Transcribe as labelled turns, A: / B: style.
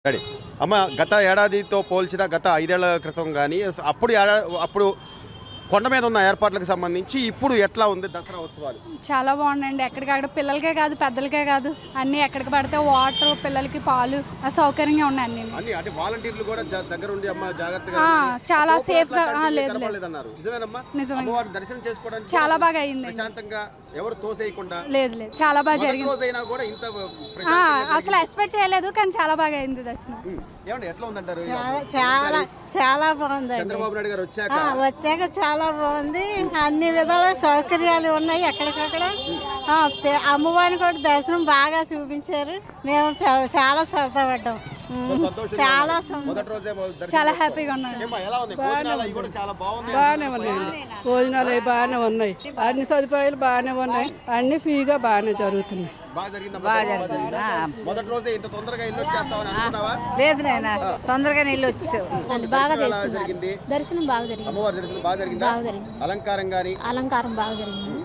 A: Ready అమ్మ, గత ఏడాదితో పోల్చిన గత 5 ఏళ్ల క్రితం కానీ అప్పుడు కొండ మీద ఉన్న ఏర్పాట్లకు సంబంధించి ఇప్పుడు ఎట్లా ఉంది దసరా ఉత్సవాలు?
B: చాలా బాగుందండి. ఎక్కడికక్కడ పిల్లలకే కాదు పెద్దలకే కాదు అన్ని ఎక్కడికి పడితే వాటర్, పిల్లలకి పాలు సౌకర్యంగా ఉన్నాయి అన్ని.
A: అంటే వాలంటీర్లు కూడా దగ్గర ఉండి అమ్మ జాగ్రత్తగా
B: చాలా సేఫ్ గా లేదు
A: నిజమే. దర్శనం చేసుకోవడానికి
B: చాలా బాగా అయింది.
A: ప్రశాంతంగా ఎవరు తోసేయకుండా
B: లేదు చాలా బాగా జరిగింది.
A: కూడా ఇంత
B: అసలు ఎక్స్పెక్ట్ చేయలేదు కానీ చాలా బాగా అయింది దర్శనం.
A: ఏమండి ఎట్లా ఉందంటారు?
C: చాలా చాలా బాగుంది.
A: చంద్రబాబు నాయుడు గారు
C: వచ్చాక చాలా బాగుంది. అన్ని విధాల సౌకర్యాలు ఉన్నాయి. ఎక్కడికక్కడ అమ్మవారిని కూడా దర్శనం బాగా చూపించారు. మేము చాలా సరదా పడ్డాం. చాలా
B: చాలా హ్యాపీగా ఉన్నాం.
D: బాగానే ఉన్నాయండి. భోజనాలు అవి బాగానే ఉన్నాయి. అన్ని సదుపాయాలు బాగానే ఉన్నాయి. అన్ని ఫ్రీగా బాగానే జరుగుతున్నాయి.
C: లేదు నాయన, తొందరగా నీళ్ళు వచ్చేసావు.
B: బాగా చేస్తున్నారు. దర్శనం బాగా జరిగింది.
A: అలంకారం బాగా జరిగింది.